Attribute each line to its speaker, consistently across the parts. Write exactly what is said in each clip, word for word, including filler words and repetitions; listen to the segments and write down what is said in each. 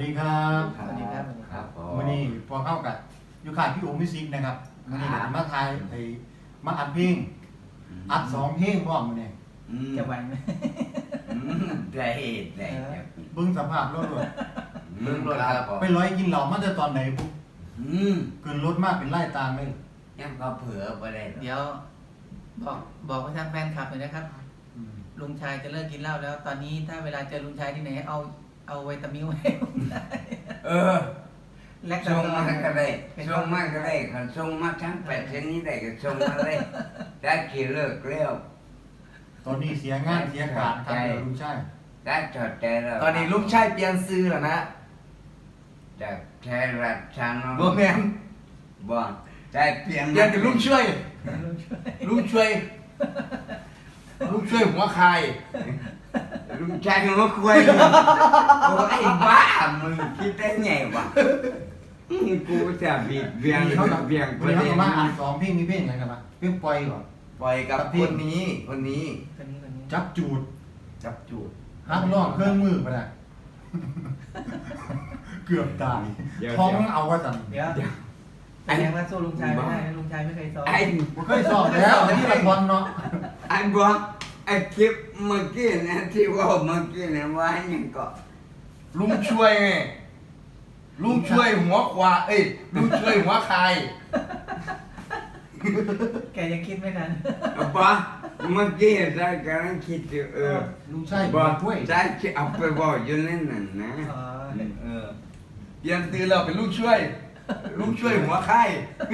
Speaker 1: ดีครับ
Speaker 2: สวัสดีครับ
Speaker 3: ครับผม
Speaker 1: วันนี้พอเข้ากับยูขาดพี่โอมิซิกนะครับวันนี้ก็มาทายไอ้มาอัดเพลงอัดสองเพลงพร้อมมื้อนี้
Speaker 3: อืม
Speaker 2: จะไหวไหม
Speaker 3: อืมได้ได้
Speaker 1: เบิ่งสภาพรถรถ
Speaker 3: เรื่องรถครับผม
Speaker 1: ไปร้อยกินเหล้ามาแต่ตอนไหนปุ๊บ
Speaker 3: อืม
Speaker 1: เกินรถมากเป็นไล่ตามเลย
Speaker 3: ยังก็เผื่อไปได้หรอก
Speaker 2: เดี๋ยวบอกบอกให้ทางแฟนคลับหน่อยนะครับ
Speaker 1: อืม
Speaker 2: ลุงชายจะเลิกกินเหล้าแล้ว ตอนนี้ถ้าเวลาเจอลุงชายที่ไหนเอาเอาไวตามิวให้ลุงชาย
Speaker 3: เออ
Speaker 2: แลค
Speaker 3: ส่งมาก็ได้
Speaker 2: เป็น
Speaker 3: ส่งมาก็ได้คันส่งมาทั้งแปดชนิดได้ก็ส่งมาเลยได้กี่เลิกแล้ว
Speaker 1: ตอนนี้เสียงานเสียการทางเดียวลุงชาย
Speaker 3: ได้ถอดใจแล้ว
Speaker 4: ตอนนี้ลูกชายเปลี่ยนซื้อแล้วนะ
Speaker 3: จากไทยรัฐชานน
Speaker 4: โบแมน
Speaker 3: บ่ได้เปลี่ยน
Speaker 4: เปลี่ยนเป็นลูกช่วย
Speaker 2: ลุงช่วย
Speaker 4: ลูกช่วย ลูกช่วยหัวใคร
Speaker 3: ลุงชายมาคุยโอ้ไอ้บ้ามึงคิดได้ไงวะอืมกูจะบีบเบียง
Speaker 1: วันนี้เขากับ
Speaker 3: เบียง
Speaker 1: วันนี้เขากับมาอัดสองเพลงมีเพลงอะไรกันบ้างเพลงปล่อยก่อน
Speaker 4: ปล่อยกับคนนี้ คนนี้
Speaker 2: คนนี้คนนี้
Speaker 1: จับจูด
Speaker 4: จับจูด
Speaker 1: ฮักน้องเครื่องมือไปละเกือบตาย
Speaker 3: เดี๋ยว
Speaker 1: ท้องเอาว่าสั่น
Speaker 2: เดี๋ยวแสดงว่าสู้ลุงชายไม่ได้นะลุงชายไม่เคยซ้อม
Speaker 3: ไอ้
Speaker 1: ผมเคยสอบแล้วแต่ที่ละครเนาะ
Speaker 3: ไอ้บอกไอ้คลิปเมื่อกี้นะที่ว่าเมื่อกี้นะว่าอย่างก็
Speaker 4: ลุงช่วยไงลุงช่วยหัวควาเอ้ยลุงช่วยหัวใคร
Speaker 2: แกยังคิดไม่ทัน
Speaker 3: บอกเมื่อกี้ได้กำลังคิดอยู่เออ
Speaker 1: ลุงชาย
Speaker 3: บบ อ
Speaker 1: อก กด้วย
Speaker 3: ได้ที่เอาไปบอกอยู่นั่นน่ะนะ
Speaker 2: อ๋อ
Speaker 4: เออเปลี่ยนซื้อแล้วเป็นลูกช่วย ลูกช่วยหัวใคร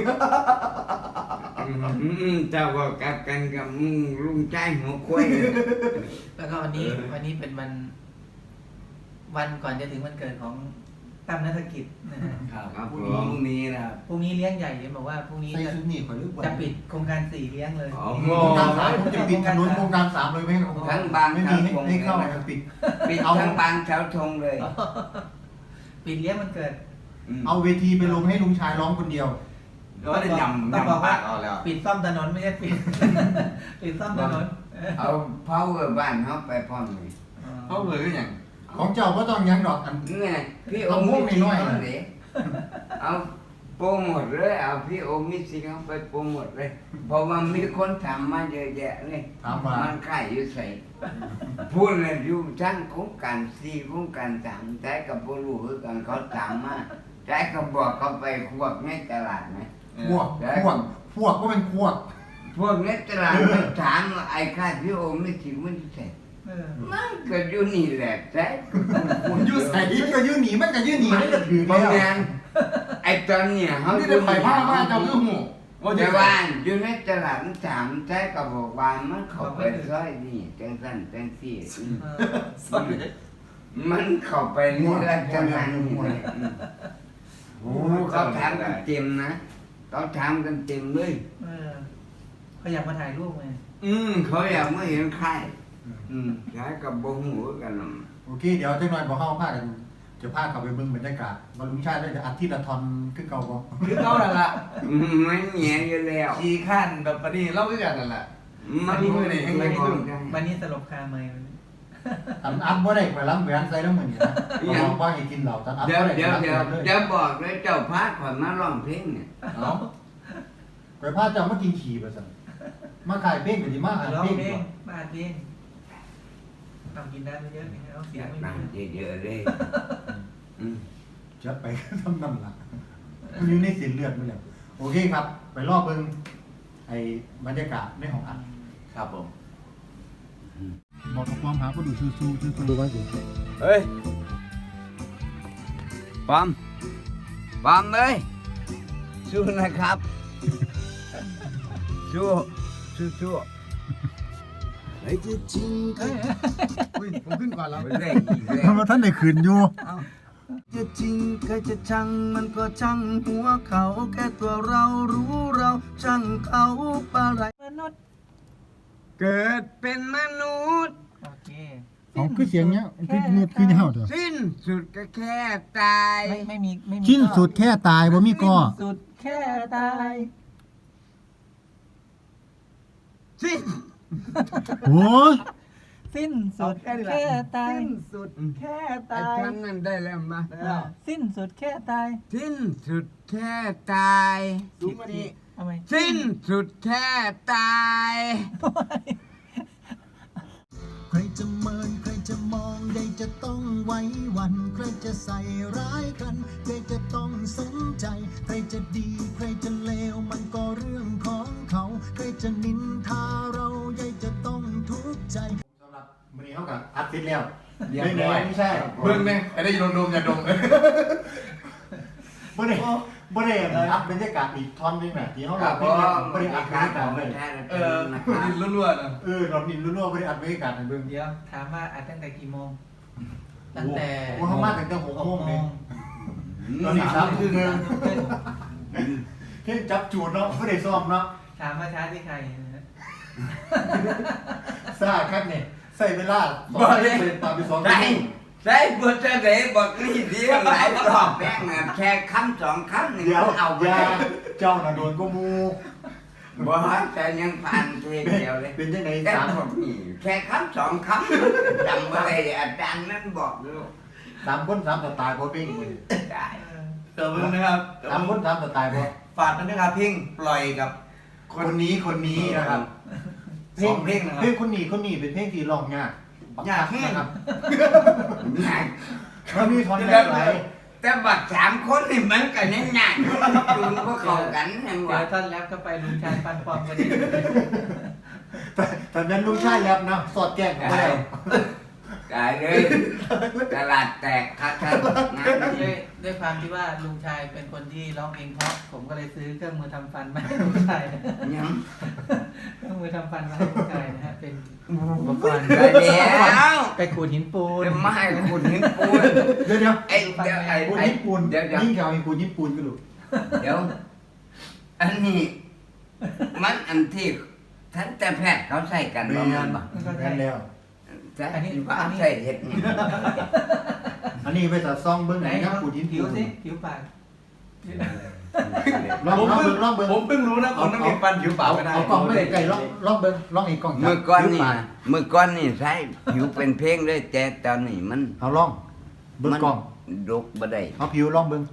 Speaker 3: อืมเจ้าบอกกลับกันกับมึงลุงใจหัวควาย
Speaker 2: แล้วก็วันนี้วันนี้เป็นวัน วันก่อนจะถึงวันเกิดของตั้มนัฐกิจนะฮะ
Speaker 4: ครับ
Speaker 3: ครับ
Speaker 4: พ
Speaker 3: ผ
Speaker 4: รุ่งนี้
Speaker 3: ม
Speaker 4: พรุ่งนี้นะครับ
Speaker 2: พรุ่งนี้เลี้ยงใหญ่เห็นบอกว่าพรุ่งนี้
Speaker 1: ใส่
Speaker 2: จะ
Speaker 1: ชุดนี้ข่อยลึก
Speaker 2: จะปิดโครงการสี่เลี้ยงเลย
Speaker 3: อ๋อ
Speaker 1: โครงการสามผมจะปิดถนนโครงการสามเลยไม่ให้
Speaker 3: ทั้งบาง
Speaker 1: ไม่มีให้ให้เข้าจะปิด
Speaker 3: ปิดทั้งบางเสาธงเลย
Speaker 2: ปิดเลี้ยงวันเกิด
Speaker 3: ม
Speaker 1: เอาเวทีไปลงให้ลุงชายร้องคนเดียว
Speaker 4: ก็ได้ยำ
Speaker 2: ต้องบอก
Speaker 4: ยำ
Speaker 2: ว่า
Speaker 4: ปากเอาแล้ว
Speaker 2: ปิดซ่อมถนนไม่ใช่ปิด ปิดซ่อมถนน
Speaker 3: เอาเผาบ้านเขาไปพร้อมเลย
Speaker 4: เขาเผยก็อย่าง
Speaker 1: ของเจ้าก็ต้องยังดอกอัน
Speaker 3: นี่พี่โอ
Speaker 1: เอา
Speaker 3: ม
Speaker 1: ม่วง
Speaker 3: มิ
Speaker 1: น้อยๆ
Speaker 3: เอาเลยเอาโปรโมทเลยเอาพี่โอมิสิเขาไปโปรโมทเลย เพราะว่ามีคนถามมาเยอะแยะเลย
Speaker 1: ถามว่า
Speaker 3: มันใกล้อยู่ใส่พูดเลยอยู่ทั้งโครงการสี่โครงการสามใจกับผู้รู้คือกันเขาถามมาใจก็บอกเขาไปควบในตลาดไหม
Speaker 1: พวกพวกพวกก็เป็นพวก
Speaker 3: พวกในตลาดมันถามว่าไอ้ข้าพี่โอมิสิมันใส่
Speaker 2: เออ
Speaker 3: มันก็อยู่นี่แหละใจ
Speaker 1: ยืดใส่มันก็ยืดหนีมันก็ยืดหนีมันก็ถือ
Speaker 3: เพราะ
Speaker 1: แล้ว
Speaker 3: งั้นไอ้ตอนเนี้ยเขา
Speaker 4: นี่ได้ไปผ้ามาเจ้าคือหูว่าจะ
Speaker 3: แต่
Speaker 4: ไป
Speaker 3: ว่าอยู่ในตลาดมันถามใจก็บอกว่ามันเข้าไปซอยนี่จังสั้นจังสี่อืม
Speaker 2: เออ
Speaker 4: สอนเลย
Speaker 3: มันเข้าไปนี่ลักษณะนี้เลยอืมโอ้เขาถามกันเต็มนะเขาถามกันเต็มเลย
Speaker 2: เออเขาอยากมาถ่ายรูปไง
Speaker 3: อืมเขาอยากมาเห็นใครอืมใช้กับบงหูกันหรอก
Speaker 1: โอเคเดี๋ยวเจ้าหน่อยบอกเข้าพากันจะพาเขาไปเบิ่งบรรยากาศว่าลุงชายได้จะอัดที่ละทอนขึ้นเก่าบ่
Speaker 4: คือเขานั่นแหละ
Speaker 3: อืมมันเหนียอยู่แล้ว
Speaker 4: ขี่ขั้นแบบปนี้เล่าด้วยกันนั่นแหละ
Speaker 3: มัน
Speaker 4: อันนี้มือนี่
Speaker 3: ไม่บอกได้
Speaker 2: วันนี้สลบคาเมย์
Speaker 1: ตันอัดบ่ได้ไปล้างแหวนใส่แล้วเหมือนกันนะบอกว่าให้กินเหล้าตันอัด
Speaker 3: เดี๋ยว
Speaker 1: บ่ได้
Speaker 3: เดี๋ยว
Speaker 1: ไป
Speaker 3: เดี๋ยว
Speaker 1: ล้างแหวนเลย
Speaker 3: เดี๋ยวบอกเลยเจ้าพาขวัญมาร้องเพลงเนี่ย
Speaker 1: เนาะไปพาเจ้ามากินขี่ไปสั่นมาขายเพลงก็สิมาอ่าน
Speaker 2: ร้อง
Speaker 1: เพลง
Speaker 2: เพล
Speaker 1: ก่
Speaker 2: ง
Speaker 1: อน
Speaker 2: บ้านเพลงทำกินได้ไม่เยอะนี่เอาเสียงไม่
Speaker 3: นั่ง
Speaker 2: มี
Speaker 3: เยอะๆเลยอืม
Speaker 1: จัดไปทำนั่นล่ะมันอยู่ในสินเลือดมันแล้วโอเคครับ ไปรอบเบิ่งไอ้บรรยากาศในห้องอัด
Speaker 4: ครับผม
Speaker 1: บอกกับความหาก็ดูสู้ๆสู้ๆดูว่าสิ
Speaker 3: เฮ้ยปอมปอมเลยสู้นะครับสู้สู้สู้ไอ้จะจริงก็
Speaker 1: อุ้ยผมขึ้นก่อนแล้ว
Speaker 3: ไม่ได้อีกแล้ว
Speaker 1: ทำไมท่านได้ขืนอยู่
Speaker 4: จะจริงก็จะชังมันก็ช่างหัวเขาแค่ตัวเรารู้เราช่างเขาปะไร
Speaker 2: มนุษย์
Speaker 3: เกิดเป็นมนุษย์
Speaker 2: โอเค
Speaker 1: เอาคือเสียงเนี้ยคือเนื้อคือเห่าเถอะ
Speaker 3: สิ้นสุดก็แค่ตาย
Speaker 2: ไม่ไม่มีไม่มี
Speaker 1: ชิ้นสุดแค่ตายบ่มีก้อ
Speaker 2: สิ้นสุดแค่ตาย
Speaker 3: สิ้น
Speaker 1: โอ้ย
Speaker 2: สิ้นสุด
Speaker 4: เอาแค่นี้แหละ
Speaker 2: แค่ตาย
Speaker 4: สิ้นสุดแค่
Speaker 3: ไอ้
Speaker 4: ตาย
Speaker 3: ฉันนั่นได้แล้วมา
Speaker 4: แล้ว
Speaker 2: สิ้นสุดแค่ตาย
Speaker 3: สิ้นสุดแค่ตาย
Speaker 4: สูงกว่านี้
Speaker 2: ทำไม
Speaker 3: สิ้นสุดแค่ตาย
Speaker 4: ใครจะเมินใครจะมองใดจะต้องไว้วัน ใครจะใส่ร้ายกันใครจะต้องสนใจ ใครจะดีใครจะเลวมันก็เรื่องของเขา ใครจะนินทาเราใหญ่จะต้องทุกข์ใจ
Speaker 1: สำหรับมื้อนี้เฮาก็อัดเสร็จแล้ว
Speaker 3: เรียบร้อย
Speaker 1: ไม่ใช่
Speaker 5: เบิ่งเนี่ยไอ้ได้ยินดมๆอย่าดม
Speaker 1: บ่ได้บ่ได้อัดบรรยากาศอีกท่อนหนึงน่ะที่เฮา
Speaker 3: ค
Speaker 1: ร้
Speaker 3: รั
Speaker 1: อบ งเพ
Speaker 3: ผ
Speaker 1: ลง
Speaker 3: ม
Speaker 1: บ่ได้อัดบรรยากาศเลย
Speaker 5: เออดินล้วนๆนะ
Speaker 1: เออรอบนี้รั่วๆบ่ได้อัดบรรยากาศให้เบิ่ง
Speaker 2: เดี๋ยวถามว่าอัดตั้งแต่กี่โมง ตั้งแต่
Speaker 1: โอ้เฮามาตั้งแต่หกโมงนี่
Speaker 2: ห
Speaker 1: ตอนนี้สามทุ่มครึ่ง
Speaker 2: ทุ่มครึ่ง
Speaker 1: เพลงจับจูดเนาะบ่ได้ซ้อมเนาะ
Speaker 2: ถามว่าช้าที่ใครนะ
Speaker 1: ซ่าคักนี่ใส่เวลาสอง
Speaker 3: บ่
Speaker 1: เพล
Speaker 3: ได้
Speaker 1: งตามไปสอง
Speaker 3: ใช่
Speaker 1: เพลง
Speaker 3: ใช่บทจะได้บอกนี่ดีหลายรอบแป้งอะแค่คำสองคำหนึ่ง
Speaker 1: เดี๋ยว
Speaker 3: เอา
Speaker 1: เอา
Speaker 3: ไป
Speaker 1: ยาเจ้าน่ะโดนก็มู
Speaker 3: บ่แต่ยังผ่านเพลงเดียวเลย
Speaker 1: เป็นจังได๋
Speaker 3: แต่
Speaker 1: สาม
Speaker 3: ผมนี่แค่คำสองคำจำอะไรอาจารย์นั่นบอกอยู่
Speaker 1: สามคนสามสไตล์บ่เพลงมื้อนี้
Speaker 3: ได้
Speaker 5: เดี๋ยวเบิ่งนะครับ
Speaker 1: สามคนสามสไตล์บ่
Speaker 5: ฝากกันด้วยครับเพลงปล่อยกับ
Speaker 1: คนนี้คนนี้นะครับ
Speaker 5: สองเพลงนะครับ
Speaker 1: เพลงคนนี้คนนี้เป็นเพลงที่ร้องยาก
Speaker 5: ยากแห้ง
Speaker 1: นะครับ
Speaker 3: ง่าย
Speaker 1: มันมีท่อนแรกหลาย
Speaker 3: แต่บัดสามคนนี่มันกันยังง่ายจูนก็เข้ากันยัง
Speaker 2: เดี๋
Speaker 3: ว่า
Speaker 2: ยวท่อนแรปก็ไปลุงชายปันปอมกันดี
Speaker 1: แต่ตอนนั้นลุงชายแรปนะสอดแจ้งกันไปแล้ว
Speaker 3: ได้เลยตลาดแตกครับครับงาน
Speaker 2: ด้ว
Speaker 3: นี้
Speaker 2: ยด้วยความที่ว่าลุงชายเป็นคนที่ร้องเพลงเพราะ ผมก็เลยซื้อเครื่องมือทำฟันมาให้ลุงชายนะ
Speaker 3: ยัง
Speaker 2: เครื่องมือทำฟันมาให้ลุงชายนะฮะ เป็นอุปกรณ์
Speaker 3: ได้แล้ว
Speaker 2: ไปขูดหินปูน
Speaker 3: เป็นไม้ขุดหินปูน
Speaker 1: เดี๋ยวเดี๋ยว
Speaker 3: ไอ้เดี๋ยวไอ้
Speaker 1: ปูน
Speaker 3: ไอ้
Speaker 1: ญี่ปุ่น
Speaker 3: เดี๋ยวเดี๋ยว
Speaker 1: ยิ่งแถวไอ้ปูนญี่ปุ่นก็ดู
Speaker 3: เดี๋ยว อันนี้ มันอันที่ทันแต่แพทย์เขาใส่กัน
Speaker 1: แม
Speaker 3: บ่
Speaker 1: น
Speaker 3: แม่นบ่
Speaker 1: แมนแล้ว
Speaker 3: ใช่อันนี้ว่าใส่เห็ดนี่
Speaker 1: อันนี้ไปตัดซองเบิ้งไห
Speaker 2: ไห
Speaker 1: น
Speaker 2: น
Speaker 1: นะปูนญี่
Speaker 2: ผิว
Speaker 1: ปุ่น
Speaker 2: สิผิวปาก
Speaker 1: ลอง
Speaker 5: ผม
Speaker 1: ลอง
Speaker 5: เพิ่
Speaker 1: เบิ้
Speaker 5: ง
Speaker 1: งลองเบิ้ง
Speaker 5: ผมเพิ่งรู้นะคนน้ำเก็บฟันผิวเปล่าไม่ได้
Speaker 1: เอากล่องไม่ได้ไก่ลองลองเบิ้งลองอีกกล่องจับ
Speaker 3: เมื่อก่อนนี่
Speaker 1: ผิวปาก
Speaker 3: เมื่อก่อนนี่ใช้ผิวเป็นเพลงเลยแต่ตอนนี้มัน
Speaker 1: เอาลองเบิ้งกล่อง
Speaker 3: ดกบ่ได้
Speaker 1: เอาผิวลองเบิ้ง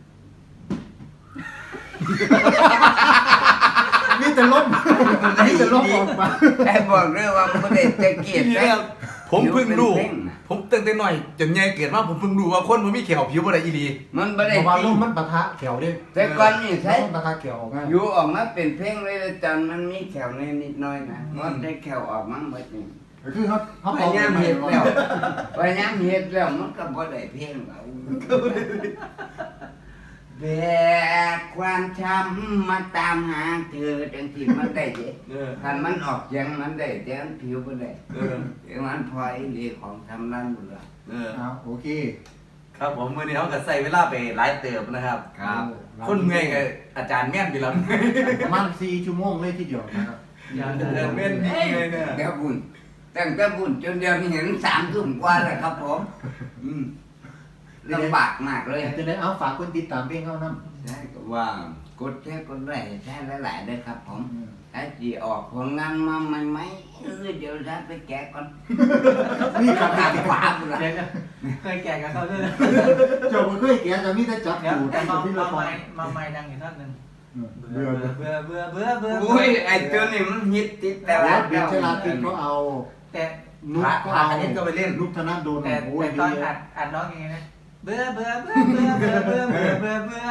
Speaker 1: มีแต่ล้มมีแต่ล้มออกมา
Speaker 3: แต่บอกเลยว่าบ่ได้จะเกลียด
Speaker 5: นี่
Speaker 3: แต่
Speaker 5: นะครับผมเพิ่งรู้
Speaker 3: ผิวเป็นเพลงน่ะ
Speaker 5: ผมตั้งแต่หน่อยจนใหญ่เกิดมาผมเพิ่งรู้ว่าคนมันมีเขียวผิวอะไรอีหลี
Speaker 3: มันบ่
Speaker 1: เพ
Speaker 3: ได้
Speaker 1: ราะว่า
Speaker 3: จริ
Speaker 1: ล้
Speaker 3: ง
Speaker 1: มมันปะทะแขวเด้
Speaker 3: แต่ก่อนนี่ใช้
Speaker 1: มันปะทะแขวออกง่าย
Speaker 3: อยู่ออกมาเป็นเพลงเลยแล้วตอนมันมีแขวนิดๆหน่อยนะมันได้แขวออกมาหมดนี่
Speaker 1: ก็คือเขาเขา
Speaker 3: พยายามเฮ็ดแล้วพยายามเฮ็ดแล้วมันก็บ่ได้เพลงแล้วแบกความช้ำมาตามหาเธอจังที่มันได้เด้
Speaker 5: เออ
Speaker 3: คันมันออกเสียงมันได้แต่มันผิวบ่ได้
Speaker 5: เออ
Speaker 3: แต่มันพลอยดีของทำร้านบุญละ
Speaker 5: เออ
Speaker 1: เอาโอเค
Speaker 5: ครับผมมื่อนี้เขาก็ใส่เวลาไปหลายเติบนะครับ
Speaker 3: ครับ
Speaker 5: คนเมื่อยกับอาจารย์แม่นไปแล้ว
Speaker 1: ประมาณสี่ชั่วโมงเลยทีเดียวนะครับ
Speaker 2: ยาว
Speaker 5: เดินเม่นดีเลยเนี่ย
Speaker 3: เดี๋ยวบุญตั้งแต่บุญจนเดียวนี้เห็นสามทุ่มกว่าแล้วครับผมอืมลำบากมากเลย
Speaker 1: จะได้เอาฝากคนติดตามเพลงเขาน
Speaker 3: ใช่ก็ว่ากดแค่กดไลค์ใช่หลายๆเลยครับผม
Speaker 1: ำ
Speaker 3: ถ้าจีออกผลงานมาใหม่ไหมเออเดี๋ยวจะไปแกะก่อน
Speaker 1: นี่กับ
Speaker 3: ทางขวาบุญละ
Speaker 2: เดี๋ยวนะเคยแก่กับเขาด้วยนะ
Speaker 1: เจ้าบ่เคยแกะจะมีแต่จับ
Speaker 2: เดี๋ยว
Speaker 1: จูด
Speaker 2: แต่
Speaker 1: ที่
Speaker 2: มา
Speaker 1: ที่
Speaker 2: มา
Speaker 1: เราฟั
Speaker 2: ไม่
Speaker 1: ง
Speaker 2: มาไม่ดังอยู่ท่อนหนึ่ง
Speaker 1: เบื่อ
Speaker 2: เบื่อเบื่อเบื่อเบื่อ
Speaker 3: โอ้ยไอ้ตัวนี้มันฮิตติดแต่
Speaker 1: แต่
Speaker 3: ละ
Speaker 1: ว่าเบียร์ชลาตินก็เอา
Speaker 2: แต่
Speaker 1: นุกก็เอาลูกธนาโดน
Speaker 2: แต่
Speaker 1: โอ้ย
Speaker 2: แต่ตอนอัดอัดร้องยังไงนะเบื่อเบื่อเบื่อเบื่อเบื่อเบื่อเบื่อเบื่อเบื่อ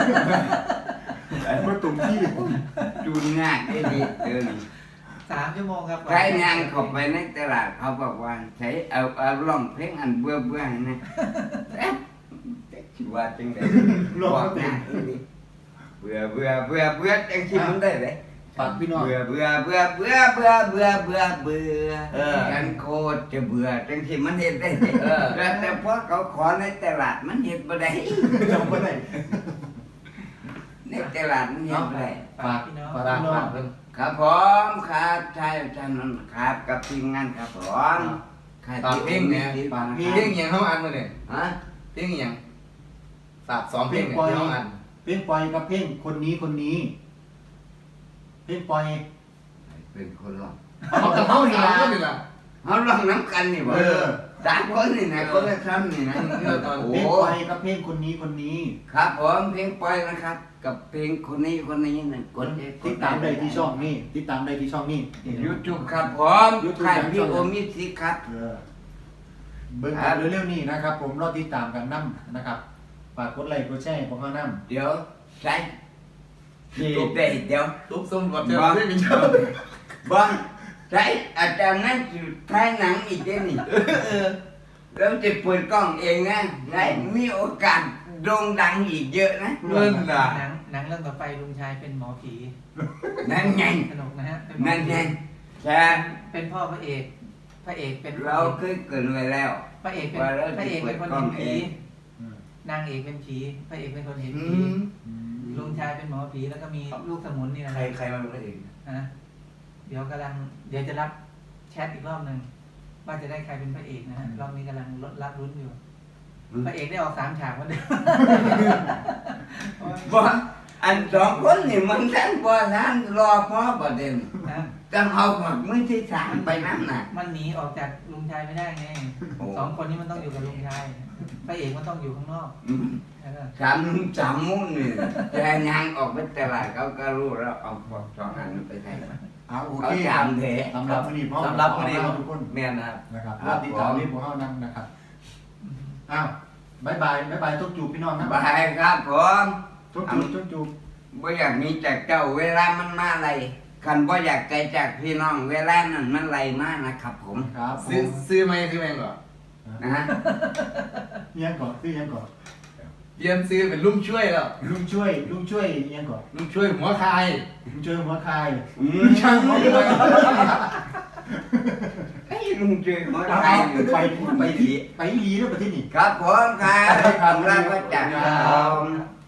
Speaker 1: เมื่อตุ่มที่
Speaker 3: จูนง่ายไอ้ดีเออ
Speaker 2: สามชั่วโมงครับ
Speaker 3: ใครงานเข้าไปในตลาดเขาบอกว่าใช้เอาเอาร้องเพลงอันเบื่อเบื่อนะเอ๊ะแต่คิดว่าจังได๋
Speaker 1: ลอง
Speaker 3: บอก
Speaker 1: เต็
Speaker 3: ง่าม ยดีเบื่อเบื่อเบื่อเบื่อจังคิดมันได้เลย
Speaker 1: ฝากพี่น้อง
Speaker 3: เบื่อเบื่อเบื่อเบื่อเบื่อเบื่อเบื่อเบื่อ
Speaker 5: เออ
Speaker 3: กันโคตรจะเบื่อจังคิดมันเฮ็ดได้เด้
Speaker 5: เออ
Speaker 3: แต่แต่พอเขาขอในตลาดมันเฮ็ดบ่ได้
Speaker 1: จำไม่ได้
Speaker 3: ในตลาดมันเฮ็ดบ่ได้
Speaker 1: ฝาก
Speaker 2: พี่น้อง
Speaker 1: ฝากพี่น้อง
Speaker 3: ครับผมครับใช่ท่านนั้นครับกับทีมงานครับผมครับ
Speaker 5: ฝากเพลงเนี่ย
Speaker 3: ฝาก
Speaker 5: เพลงอหย่างเขาอันมาเนี่ย
Speaker 3: ฮะ
Speaker 5: เพลงอหย่างฝากสองเพลงเนี่ยที่เขาอัน
Speaker 1: เพลงปล่อยกับเพลงคนนี้คนนี้ เพลงปล่อย
Speaker 3: เป็นคนร้อง
Speaker 1: เอากับเขานี่
Speaker 5: สาม
Speaker 1: ละ
Speaker 5: คนนี่ล่ะ
Speaker 3: เขาลองน้ำกันนี่บ่
Speaker 1: เออ
Speaker 3: สามคนนี่นะคนละคำนี่นะ
Speaker 5: เออตอน
Speaker 3: โอ้
Speaker 1: เพลงไปกับเพลงคนนี้คนนี้
Speaker 3: ครับผมเพลงปล่อยนะครับ กับเพลงคนนี้คนนี้นะกด
Speaker 1: ติดตามได้ที่ช่องนี้ติดตามได้ที่ช่องนี้
Speaker 3: ยูทูบครับผม
Speaker 1: YouTube
Speaker 3: ค่ายพี่โอมิสิครับ
Speaker 1: เออเบิ่งกันเร็วๆนี้นะครับ ผมรอติดตามกันนํนะครับฝากกดไลค์กดแชร์ให้พวกเรานํ
Speaker 3: เดี๋ยวใช้ตุ๊บได้เดี๋ยว
Speaker 5: ทุบส้มกับเจ้าไม่มีเจ้า
Speaker 3: บ้างใช้อาจารย์นั่นอยู่ท้ายหนังอีกเด้นี่แล้วจะเปิดกล้องเองนะไหนมีโอกาสโด่งดังอีกเยอะนะ
Speaker 5: เงินน่ะ
Speaker 2: หนังหนังเรื่องต่อไปลุงชายเป็นหมอผี
Speaker 3: นั่นไง
Speaker 2: สนุกนะฮะเป็นหมอ
Speaker 3: นั่น
Speaker 2: ผี
Speaker 3: ไงใช่
Speaker 2: เป็นพ่อพระเอกพระเอกเป็น
Speaker 3: เราเคยเกิดไว้แล้ว
Speaker 2: พระเอกเป็น
Speaker 3: ว่าเรา
Speaker 2: พระเอกเป็นคน
Speaker 3: จะเปิดกล้
Speaker 2: เห็
Speaker 3: อง
Speaker 2: น
Speaker 3: เอ
Speaker 2: ผี
Speaker 3: ง
Speaker 1: อืม
Speaker 2: นางเอกเป็นผีพระเอกเป็นคนเห็น
Speaker 3: อื
Speaker 2: ผี
Speaker 3: ม
Speaker 2: ลุงชายเป็นหมอผีแล้วก็มีลูกสมุนนี่นะ
Speaker 5: ใครใครมาเป็นพระเอก
Speaker 2: ฮะเดี๋ยวกำลังเดี๋ยวจะรับแชทอีกรอบหนึ่งว่าจะได้ใครเป็นพระเอกนะฮะรอบนี้กำลังรับรุ้นอยู่ พระเอกได้ออกสามฉากวันเดียว
Speaker 3: บ่อันสองคนนี่มันทั้งบ่ทั้งรอพ่อประเด็น
Speaker 2: นะ
Speaker 3: ต้องเอาหมดมือที่สามไปนั่นน่ะ
Speaker 2: มันหนีออกจากลุงชายไม่ได้ไง
Speaker 3: โอ้
Speaker 2: สองคนนี้มันต้องอยู่กับลุงชายพระเอกมันต้องอยู่ข้างนอก
Speaker 3: อืม
Speaker 2: แล้วก็
Speaker 3: สามสามมุ้งนี่แต่ยางออกไปตลาดเขาก็รู้แล้วเอาพวกสองอันไปใส่
Speaker 1: อ่าโอ
Speaker 3: เอา
Speaker 1: เค
Speaker 3: จามเถ
Speaker 1: สำหรับวันนี้พ่อ
Speaker 5: สำหรับวันนี้
Speaker 1: ขอลาทุกคน
Speaker 5: แมนนะครับ
Speaker 1: นะครับ
Speaker 3: ครั
Speaker 1: รอบ ติดตามนี้พวกเรานํนะครับอ้าวบายบายบายบายทุกจูบพี่น้องนะ
Speaker 3: บายครับผม
Speaker 1: ทุกจูบทุกจูบ
Speaker 3: บ่อยากมีจากเจ้าเวลามันมาอะไรคันบ่อยากไกลจากพี่น้องเวลานั้นมันไหลมากนะครับผม
Speaker 1: ครับผ
Speaker 5: ซื้อ
Speaker 1: ม
Speaker 5: ซื้อไหมซื้อแมงเหรอ
Speaker 3: นะฮะ
Speaker 1: เอียงก่อนซื้อเอียงก่อน
Speaker 5: เปลี่ยนซื้อเป็นลุงช่วยแล้ว
Speaker 1: ลุงช่วยลุงช่วยเอียงก่อน
Speaker 5: ลุงช่วยหัวคาย
Speaker 1: ลุงช่วยหัวคาย
Speaker 3: อืม
Speaker 1: ช่างหัวคาย
Speaker 3: ไอ้ลุงช่วยมา
Speaker 1: เอา
Speaker 3: ไทย
Speaker 1: ไปไปที่ไปอีหลีแล้วประเทศนี้
Speaker 3: ครับผมครับ
Speaker 1: ครับ
Speaker 3: รับมาจาก
Speaker 1: ครับ
Speaker 3: ผม